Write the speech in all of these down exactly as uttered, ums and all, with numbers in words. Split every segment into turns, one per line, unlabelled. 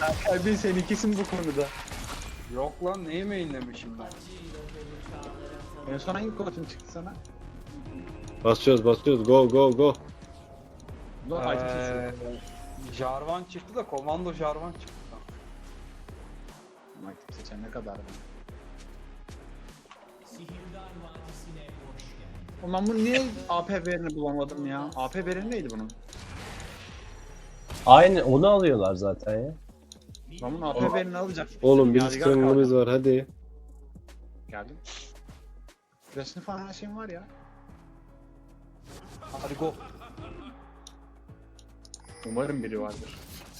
Kalbin seninkisin bu konuda.
Yok lan neyi mainlemişim ben?
En son hangi kostüm çıktı sana?
Basıyoruz basıyoruz go go go.
Bu
Ee,
ee...
Jarvan çıktı da komando Jarvan çıktı.
Aktif seçen ne kadar mı? Ulan bu niye A P verini bulamadım ya? A P veri neydi bunun?
Aynı onu alıyorlar zaten ya.
Ben bunun A P verini alacak.
Oğlum bir
Yadigar
strangle'ımız
kaldı.
var hadi.
Geldim. Flash'ını falan her şeyim var ya.
Hadi go.
Umarım biri vardır.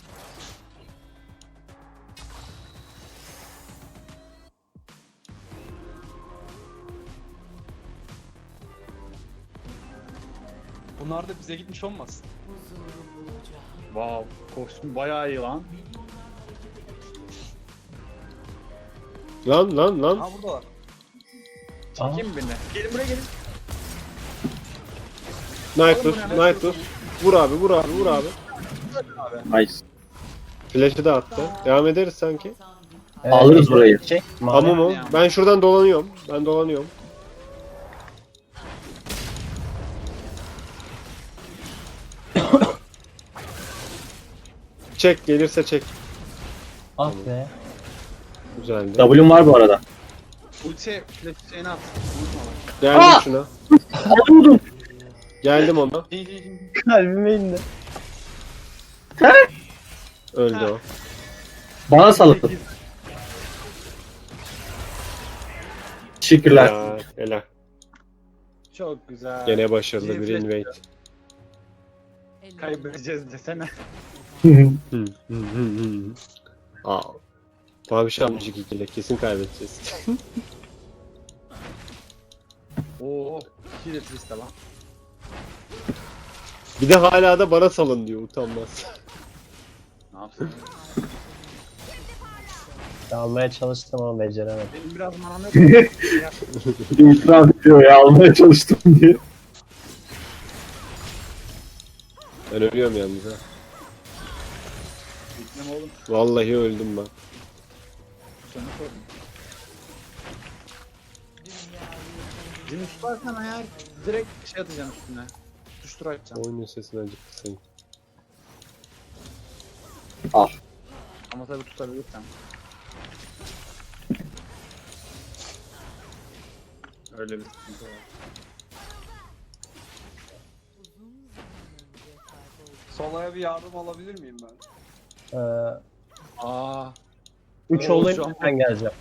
Bunlar da bize gitmiş olmasın.
Wow, kostüm bayağı iyi lan.
Lan lan lan.
Ha buradalar.
Çekeyim mi beni? Gelin buraya gelin.
Knife dur, knife dur. Vur abi, vur abi, vur abi.
Nice.
Flash'ı da attı. Devam ederiz sanki.
Ee,
Alırız burayı.
Şey,
Amu mu? Ben şuradan dolanıyorum. Ben dolanıyorum. Çek, gelirse çek.
Ah be.
Güzeldi.
W'm var bu arada.
Ulti flash şeyini at. Unutma bak.
Geldim
Aa!
şuna.
Alıyordum.
Geldim ona.
Kalbime indi.
Öldü o.
Bana salıttın. Teşekkürler.
Ya, helal.
Çok güzel.
Gene başarılı
Bizim
bir
flash-
invade.
Kaybedeceğiz desene.
Hı, hı, hı, hı. Aa. Mavi şamcık ikili. Kesin kaybedeceğiz.
Oo, iki de twist lan.
Bir de hala da bana salın diyor utanmaz.
Ne yapsın?
Almaya çalıştım ama beceremedim.
Benim biraz manam yok. Ya,
İtiraf ediyor ya almaya çalıştım diye.
Ben ölüyorum yalnız ha.
Gitmem oğlum.
Vallahi öldüm ben.
Sonra sorun. Cini tutarsan eğer direkt şey atacağım üstüne. Tutuştur atacağım.
Oyunun sesini acıktı sanki.
Al.
Ama tabii tutabilirsem. Öyle bir sıkıntı var.
Solaya bir yardım alabilir miyim ben?
Ee,
Aa,
üç
Oo,
olayım
şu an-
ben geleceğim.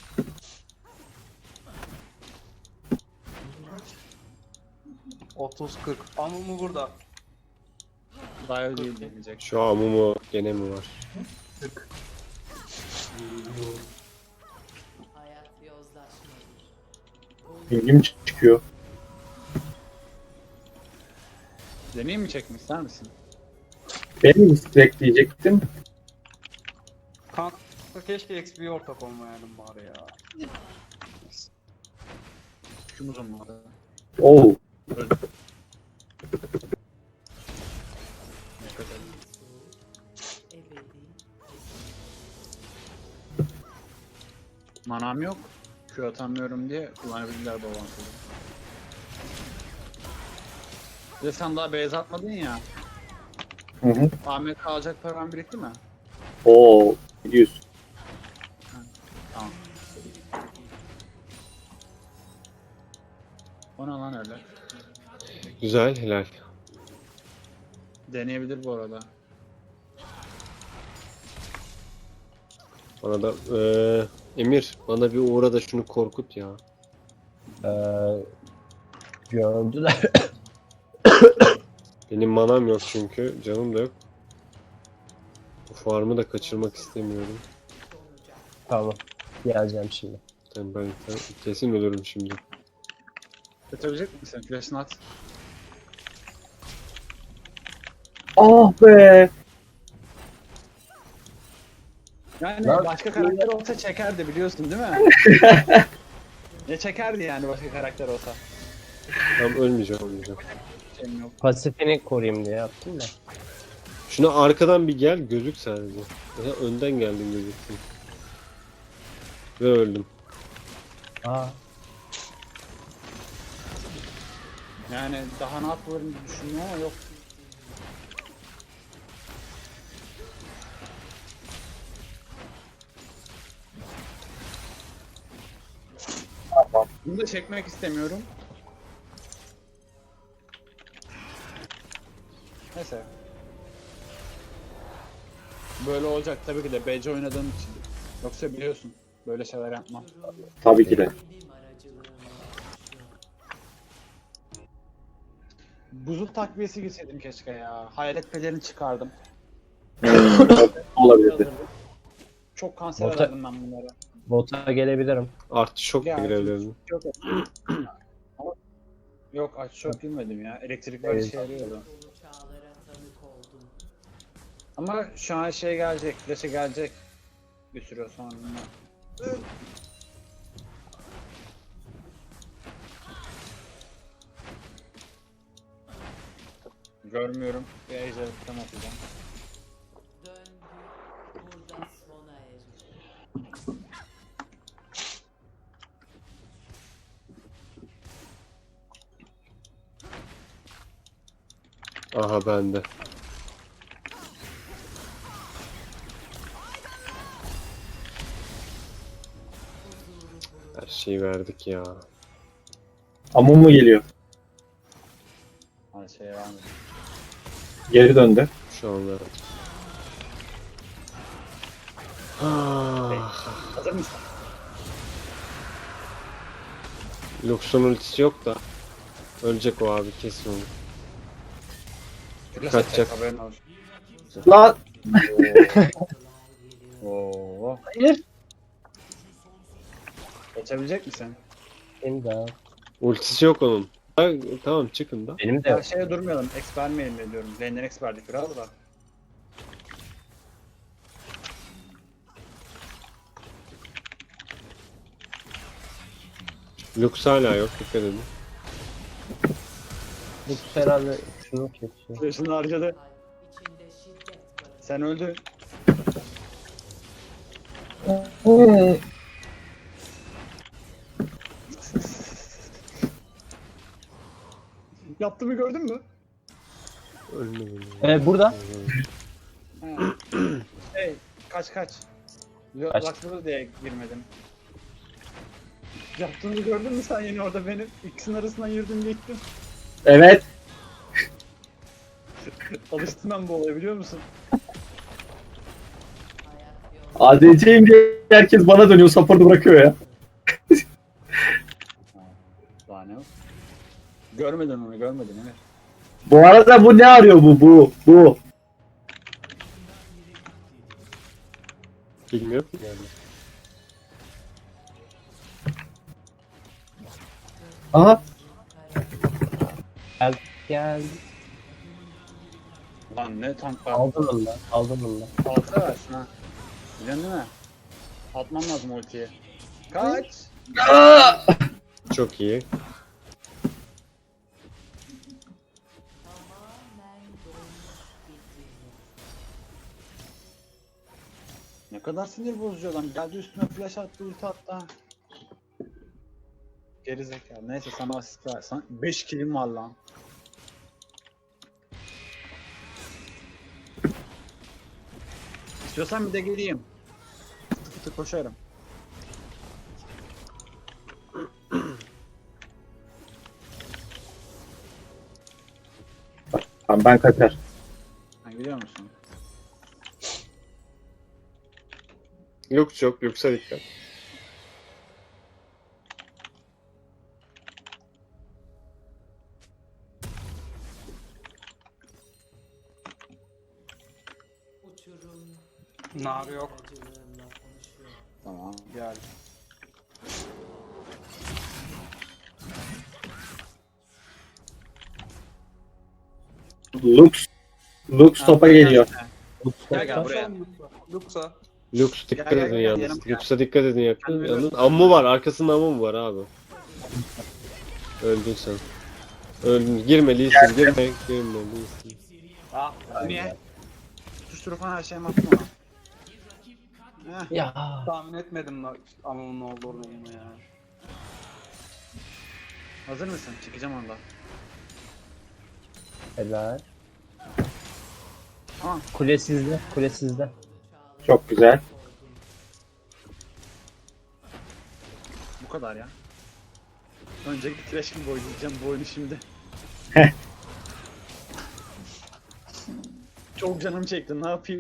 otuz kırk. Amumu burada.
daha değil demeyecek.
Şu an mu gene mi var?
Hayat yozlaşmadır.
İlgim çıkıyor.
Deneyim mi çekmek ister misin?
Ben mi direkt diyecektim.
Kanka keşke X P ortak olmayalım bari ya.
Şumuz olmadı.
Oo.
Ebedi.
Manam yok. Q atamıyorum diye kullanabilirler bu avantajı. Bir de sen daha beyaz atmadın ya.
Hı hı.
A M K alacak paran birikti mi?
Oo. Gidiyorsun.
Tamam. O ne lan öyle?
Güzel helal.
Deneyebilir bu arada.
Bana da eee Emir bana bir uğra da şunu korkut ya.
Ee, gördüler.
Benim manam yok çünkü canım da yok. Bu farmı da kaçırmak istemiyorum.
Tamam. Geleceğim şimdi.
Ben, ben, ben kesin ölürüm şimdi.
Götürecek misin? Flash'ını at.
Ah be.
Yani
Lan-
başka karakter olsa çekerdi biliyorsun değil mi? Ne çekerdi yani başka karakter olsa?
Tam ölmeyeceğim ölmeyeceğim.
Şeyim yok.
Pasifini koruyayım diye yaptım da.
Şuna arkadan bir gel gözük sadece. Ya önden geldin gözüktün. Ve öldüm.
Aa.
Yani daha ne yapılırım diye düşündüm ama yok. Bunu da çekmek istemiyorum. Neyse. Böyle olacak tabii ki de B C oynadığım için. Yoksa biliyorsun böyle şeyler yapmam.
Tabii ki de.
Benim aracılığımla yaşıyor.
Buzul takviyesi gitseydim keşke ya. Hayalet pelerini çıkardım.
Olabilirdi.
Çok kanser
Bota-
ederdim ben bunları.
Bota gelebilirim.
Artı şok
Ya,
da girebilirdim.
Yok. Ama- Yok aç çok bilmedim ya. Elektrik böyle
Evet.
şey yarıyordu.
Dolu çağlara tanık oldum.
Ama şu an şey gelecek. Flash'e gelecek. Bir süre sonra. Görmüyorum. Bir ejder tam atacağım.
Döngü burada sona erir.
Aha bende. Her şeyi verdik ya.
Amun mu geliyor?
Hadi şey var mı?
Geri döndü.
Şu an verdik. Ah,
Hazır mısın?
Lux'un ultisi yok da. Ölecek o abi kesin onu.
Flash
Kaçacak.
atacak, haberin olsun.
Lan!
Oo.
Hayır.
Geçebilecek misin?
Benim de.
Ultisi yok onun. Ha, tamam çıkın da.
Benim de
Ya
yok.
şeye durmayalım. X vermeyelim de diyorum. Lane'den X verdik biraz da.
Lux hala yok dikkat edin.
Bu herhalde şunu kesiyor.
Flash'ını harcadı.
Kalp içinde şiddet barındırır.
Sen öldün. Yaptığımı gördün mü?
Ölmedim.
Evet burada.
Ha. Hey, kaç kaç. Yo,
Kaç.
Laksadı diye girmedim. Yaptığını gördün mü sen yine orada benim? İkisinin arasından yürüdüm geçtim.
Evet.
Alıştım ben bu olaya biliyor musun?
Hayat yolda
A D C'yim diye herkes bana dönüyor. Support'u bırakıyor ya.
Daha ne o? Görmedin onu görmedin evet.
Bu arada bu ne arıyor bu? Bu. Bu.
Bilmiyorum.
Aha.
Gel. Gel.
Lan ne tank var.
Aldım onu da. Aldım onu da.
Alta versin ha. Biliyorsun değil mi? Atmam lazım ultiyi. Kaç.
Çok iyi.
tamamen dolmuş bitirir.
Ne kadar sinir bozucu adam. Geldi üstüme flash attı, ulti attı. ha. Geri zekalı. Neyse sana asist ver. Sana beş killim var lan. İstiyorsan bir de geleyim. Fıtı fıtı koşarım.
Tamam ben kaçar.
Sen gidiyor musun?
Lux yok. Lux'a dikkat.
Uçurum
Nar yok.
aracılığımla konuşuyor.
Tamam gel.
Lux. Lux topa geliyor.
Gel gel buraya.
Luxa.
Lux dikkat
Gel, gel,
edin
gel,
yalnız.
yanıma gel.
Lux'a dikkat edin yakın.
Ben de
Yalnız
öyle.
ammu var. Arkasında ammu var abi. Öldün sen. Öldün. Girme Lee Sin. Girme. Girme Lee Sin.
Ah.
Niye? Tutuşturu falan her şeyimi attım ona. Heh.
Ya.
Tahmin etmedim la Amu'nun olduğunu ya.
Hazır mısın? Çıkacağım ondan.
Helal.
Aa,
Kule sizde. Kule sizde.
Çok güzel.
bu kadar ya. Önceki trash gibi oynayacağım bu oyunu şimdi. Çok canım çekti, ne yapayım?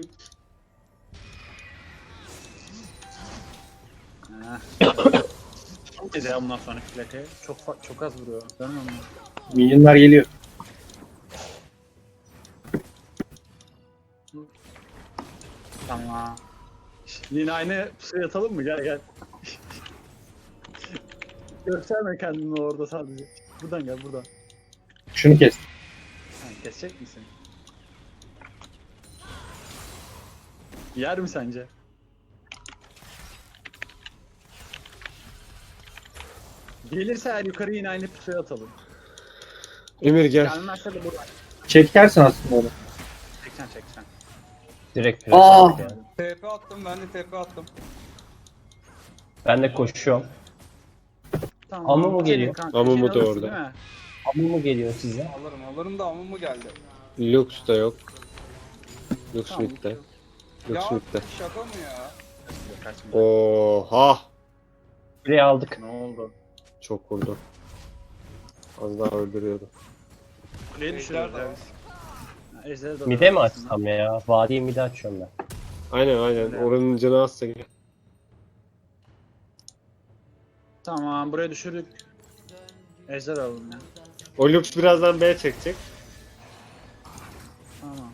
Heh. Çok gece ya bundan sonra plakaya. Çok fa- çok az vuruyor. Görmüyor musun?
Minyonlar geliyor.
Tamam. Yine aynı pusuya yatalım mı? Gel gel. Gösterme kendini orada sadece. Buradan gel buradan.
Şunu kes.
Ha, kesecek misin? Yer mi sence? Gelirse eğer yukarı yine aynı pusuya atalım.
Emir gel.
Gelmezse de buradan.
Çekersin aslında onu.
Çeksen çeksen.
Direkt pres
Aa!
aldık yani.
T P attım, ben de T P attım.
Ben de koşuyorum.
Tamam.
Ama mu
senin
geliyor?
kanka,
Ama
işini
mu da
alırsın,
orada.
değil mi?
Amu mu geliyor size?
Alırım alırım da Amu mu geldi?
Lux da yok. Lux
Tamam.
midde.
Ya
Lux midde.
şaka mı ya?
Yok, kaçmayacak.
Oha!
Kuleyi aldık.
Ne oldu?
Çok vurdu. Az daha öldürüyordu.
Kuleyi
Ejder
düşürüyoruz
de
ya
var.
biz. Ha, Ejderi de
Mide mi
aslında.
açsam ya? Vadiyi mide açıyorum ben.
Aynen aynen. Oranın canı azsa gel.
Tamam, buraya düşürdük. Ejder alalım ya.
O Lux birazdan B çekecek.
Tamam.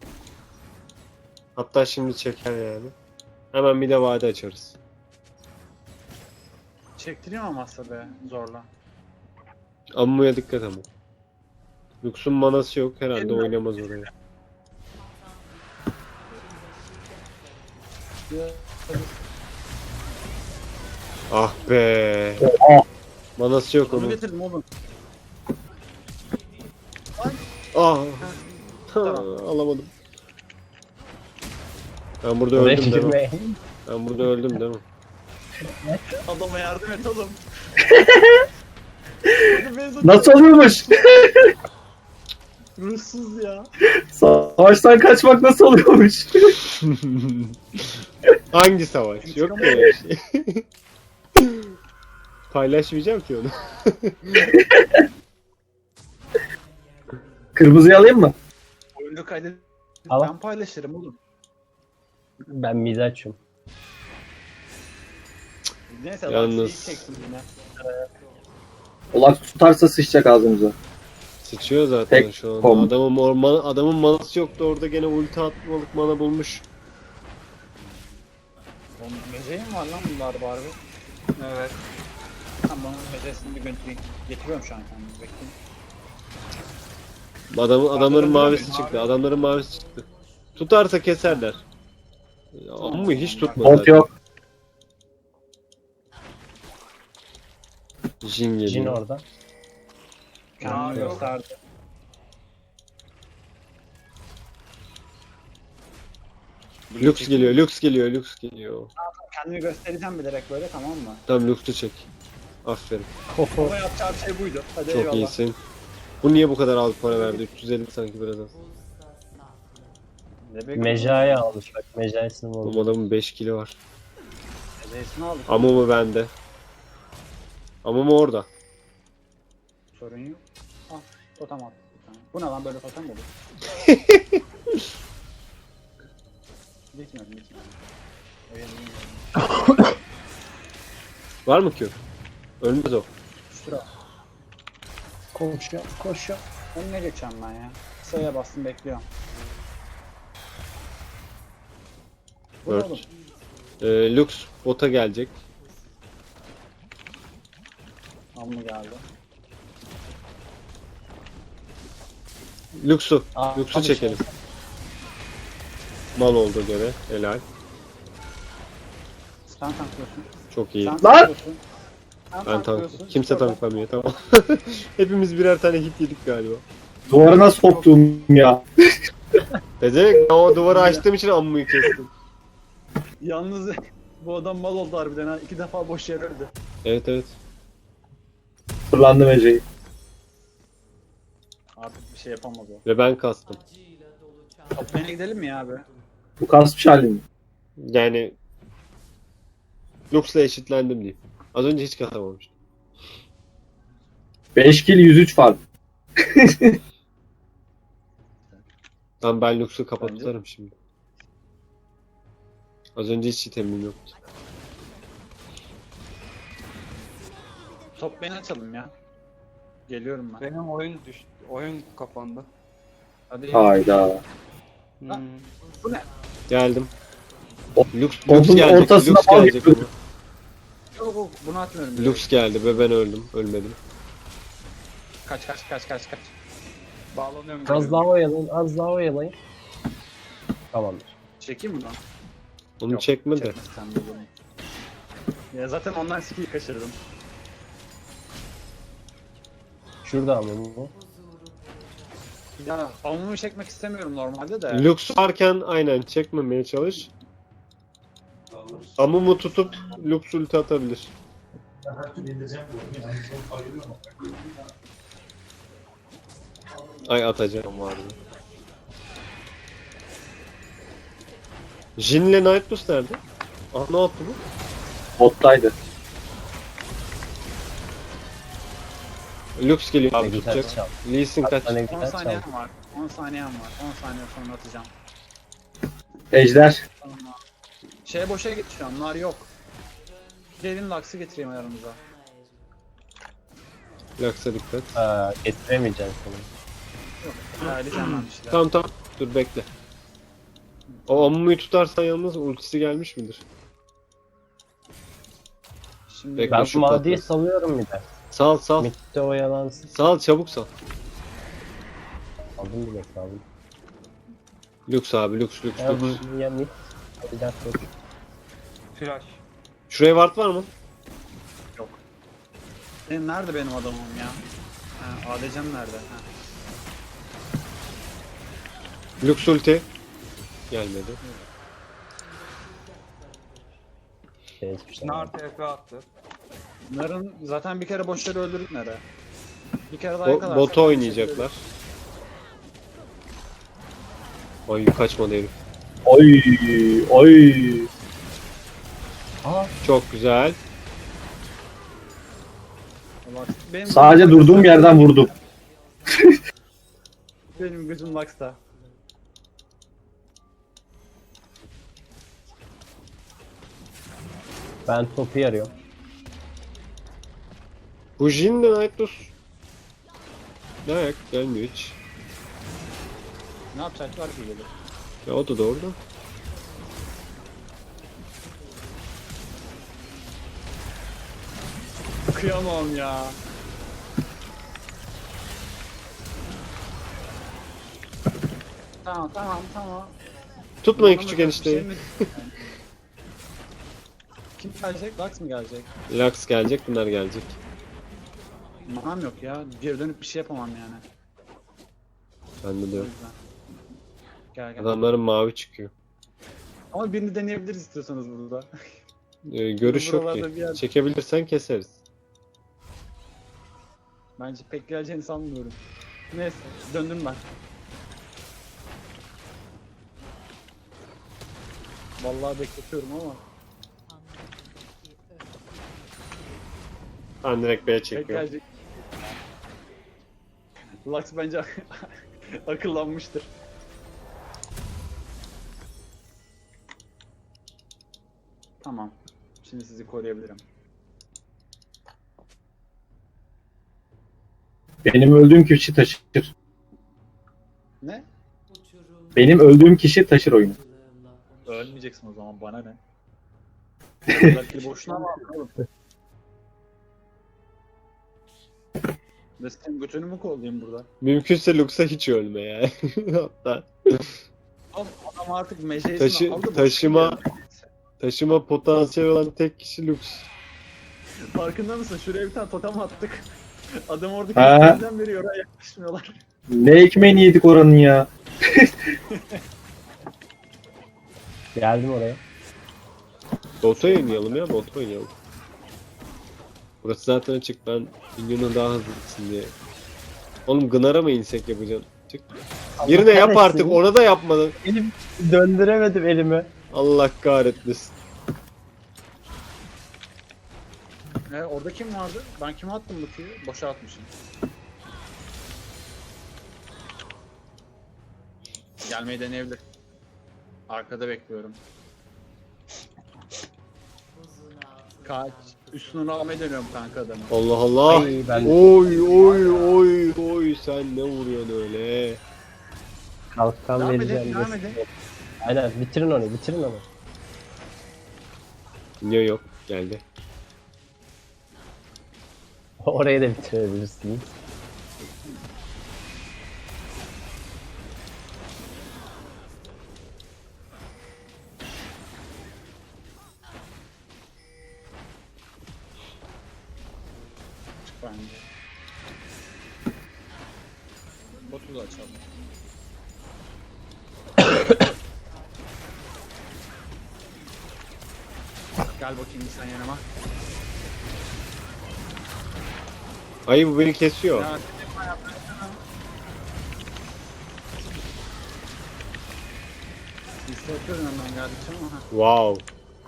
Hatta şimdi çeker yani. Hemen bir de vade açarız.
Çektireyim ama aslında be zorla.
Ammu'ya dikkat ama. Lux'un manası yok herhalde
Elimden-
oynamaz oraya. Ah be.
Ah.
Manası yok
Onu
onun.
getirdim oğlum.
Ah.
Tamam.
Alamadım. Ben burada
Oraya
öldüm değil mi?
girmeyin.
Ben burada öldüm değil mi?
Adama yardım et oğlum.
Nasıl oluyormuş?
Ruhsuz ya.
Savaştan kaçmak nasıl oluyormuş?
Hangi savaş? Yok mu öyle bir şey? Paylaşmayacağım ki onu.
Kırmızıyı alayım mı?
Oyunu kaydet.
Al.
Ben paylaşırım oğlum.
Ben mide açıyorum.
Neyse
Yalnız-
Yalnız... çeksin yine.
Olak tutarsa sıçacak ağzımıza.
Sıçıyor zaten
Tek
şu an.
kom.
Adamın, orman, adamın manası yoktu orada gene ulti atmalık mana bulmuş.
Oğlum meceği mi var lan bunlar bari?
Evet.
Tamam meceğsini bir götüreyim. Getiriyorum şu an kendimi bekleyin.
Adamın, adamların
Mavi-
mavisi çıktı. Adamların mavisi çıktı. Tutarsa keserler. Ama hiç tutmadı.
Bolt yok.
Jin
Jin
geliyor.
orada.
Kendimi
yok.
gösterdi.
Lux geliyor, Lux geliyor, Lux geliyor.
Kendimi göstereceğim bilerek böyle tamam mı?
Tamam Lux'u çek. Aferin.
Ama yapacağım şey buydu. Hadi
Çok
eyvallah.
iyisin. Bu niye bu kadar az para verdi? üç yüz elli sanki biraz az.
Ne bekliyorsun?
Mecaya almış bak. Mecayasını
Oğlum
buldu.
adamın beş kilo var.
Meceğsini aldık.
Ama mı bende? Ama mı orada?
Sorun yok. Al totem at. bir tane. Bu ne lan böyle totem mi olur? Gitmiyorum gitmiyorum. Öyle değil.
Var mı ki? Ölmez o.
Şura.
Koşuyor. Koşuyor.
Önüne geçeceğim ben ya. S'ye bastım bekliyorum. Bu ne
Dört.
oğlum?
Ee, Lux bota gelecek.
Al mı geldi?
Lux'u.
Aa,
Lux'u
abi
çekelim. Mal oldu gene. Helal.
Sen tanklıyorsun.
Çok iyi.
Sen
Lan!
tanklıyorsun. Sen
Ben tank.
tanklıyorsun.
Kimse
Oradan-
tanklamıyor tamam. Hepimiz birer tane hit yedik galiba.
Duvarına soktum ya.
Bezemek o duvarı açtığım için ammuyu kestim.
Yalnız bu adam mal oldu harbiden ha. İki defa boş yer öldü.
Evet evet.
Fırlandı Mece'yi.
Artık bir şey yapamaz o.
Ve ben kastım.
acıyla dolu çağ.
Toplayana gidelim mi ya abi?
Bu kasmış halim mi?
Yani Lux'la eşitlendim diyeyim. Az önce hiç katamamıştım.
beş kill yüz üç fark.
Tamam ben Lux'u kapatırım şimdi. Az önce hiç itemim yoktu.
Toplayana açalım ya. Geliyorum ben.
Benim oyun düştü. Oyun kapandı.
Hadi.
Hayda.
Hmm.
Bu ne?
Geldim.
O-
Lux,
Odun
Lux gelecek.
ortasına
Lux
bal
gelecek
yapıyorduk.
ama.
Yok yok bunu atmıyorum.
Lux geldi ve ben öldüm. Ölmedim.
Kaç kaç kaç kaç kaç.
Bağlanıyorum.
Az daha oyalayın, az daha oyalayın. Tamamdır.
Çekeyim mi lan?
Onu
Yok,
çekme de.
çekme sen de bunu. Ya zaten ondan skill kaçırdım.
Şurada ama bu.
Huzuru bulacak.
Ya amumu çekmek istemiyorum normalde de.
Lux varken aynen çekmemeye çalış. Amumu tutup Lux ulti atabilir. Ay atacağım vardı. Jin'le Nightlus nerede? Ah ne yaptı bu?
Bottaydı.
Lux geliyor
Ne
abi
güzel
tutacak.
çal.
Lee Sin kaç.
Hatta ne
on
güzel çal.
saniyem var. on saniyem var. on saniye sonra atacağım.
Ejder.
Tamam. Şeye boşa git şu an. Nar yok. Gelin Lux'ı getireyim aranıza.
Lux'a dikkat.
Aa, getiremeyeceğim seni.
Yok. Ayarlayacağım ben bir şeyler.
Tamam tamam dur bekle. O Amumu'yu tutarsan yalnız ultisi gelmiş midir?
Şimdi
Bekle.
Ben
şu
Madi'yi
patlasın.
salıyorum bir de.
Sal sal.
Mid'de oyalansın.
Sal çabuk sal.
Aldım bile saldım.
Lux abi Lux Lux
Ya
Lux.
bu ya mid. Bir dakika.
Flash.
Şuraya ward var mı?
Benim nerede benim adamım ya? Ha, A D C'm nerede? Ha.
Lux ulti. Gelmedi.
Şey, hiçbir şey
Nar T P attı.
Nar'ın zaten bir kere boş yere öldürdük Nar'ı. Bir kere daha
Bo
yakalarsak
bota oynayacaklar. Ay kaçmadı herif.
Oy oy.
Aa,
Çok güzel.
Lux. Benim
Sadece
gözüm
durduğum
Lux'ta.
yerden vurdum.
Benim gözüm Lux'ta.
ben topu yarıyorum.
Bu Jin'le Nightlus. Ne ayak gelmiyor hiç.
Ne yapacaklar ki gelip?
Ya o da doğru da.
Kıyamam ya. Tamam tamam tamam.
Tutmayın
Bana
küçük
mesela bir
enişteyi.
şey mi- Kim gelecek? Lux mı gelecek?
Lux gelecek bunlar gelecek.
Manam yok ya. Geri dönüp bir şey yapamam yani.
Bende de
O
yok.
yüzden. Gel gel.
Adamların mavi çıkıyor.
Ama birini deneyebiliriz istiyorsanız burada.
Ee, görüş yok
Buralarda bir
ki.
yer-
Çekebilirsen keseriz.
Bence pek geleceğini sanmıyorum. Neyse döndüm ben. Vallahi bekletiyorum ama
Ben direkt B'ye
pek
çekiyorum.
gelecek. Lux bence akıllanmıştır. Tamam. Şimdi sizi koruyabilirim.
Benim öldüğüm kişi taşır.
Ne?
Uçurum
Benim öldüğüm kişi taşır oyunu.
yıldızlarla konuşuyor.
Ölmeyeceksin o zaman bana ne? Belki boşuna mı aldın oğlum? Ve senin götünü mü kollayayım burada?
Mümkünse Lux'a hiç ölme ya. Hatta
Oğlum adam artık meceysini
Taşı-
aldı. boşuna
taşıma-
geldi.
taşıma potansiyeli olan tek kişi Lux.
Farkında mısın? Şuraya bir tane totem attık. Adam oradaki
Ha.
ekmeğinden beri oraya yaklaşmıyorlar.
Ne ekmeğini yedik oranın ya.
Geldim oraya.
Bota oynayalım ya, bota oynayalım. Burası zaten açık, ben minyonun daha hızlı gitsin diye. Oğlum Gınar'a mı insek yapacaksın? Çık. Birine yap
kahretsin.
artık, ona da yapmadın.
Elim döndüremedim elimi.
Allah kahretmesin.
E, orada kim vardı? Ben kime attım bu tüyü? Boşa atmışım. Gelmeyi deneyebilir. Arkada bekliyorum.
Buzun altında
Kaç. Üstünü almaya dönüyorum kanka adamı.
Allah Allah.
Ay, ben-
Oy oy oy oy, sen ne vuruyorsun öyle?
Kalkan
Devam edin,
vereceğim.
devam
de-
edin.
Aynen bitirin onu bitirin onu.
Minyon yok, geldi.
Orayı da bitirebilirsiniz.
Bence. Botu da açalım. Gel bakayım sen yanıma.
Ay bu beni kesiyor.
Ya, yapma, yapma, yapma. Hissediyorum hemen geldikçe ama. ha.
Wow.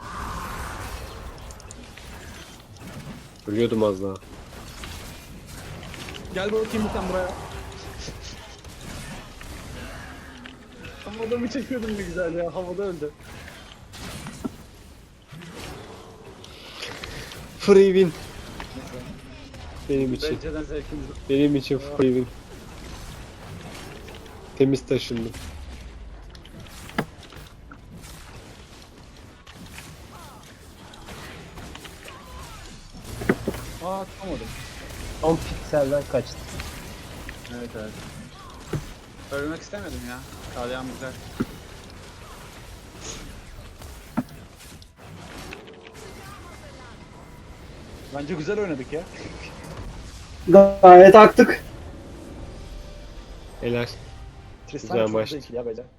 Ölüyordum az daha.
Gel bakayım sen buraya. Ama adamı çekiyordum ne güzel ya, havada öldü.
Free win. Benim için.
Benceden zevkimiz.
Benim için free win. Temiz taşındım.
Aa tutamadım.
on pikselden kaçtı.
Evet evet. Ölmek istemedim ya. Kalyan güzel. Bence güzel oynadık ya.
Gayet aktık.
Helal.
Tristan
Güzel
çok
maçtı.
zevkli ya bence.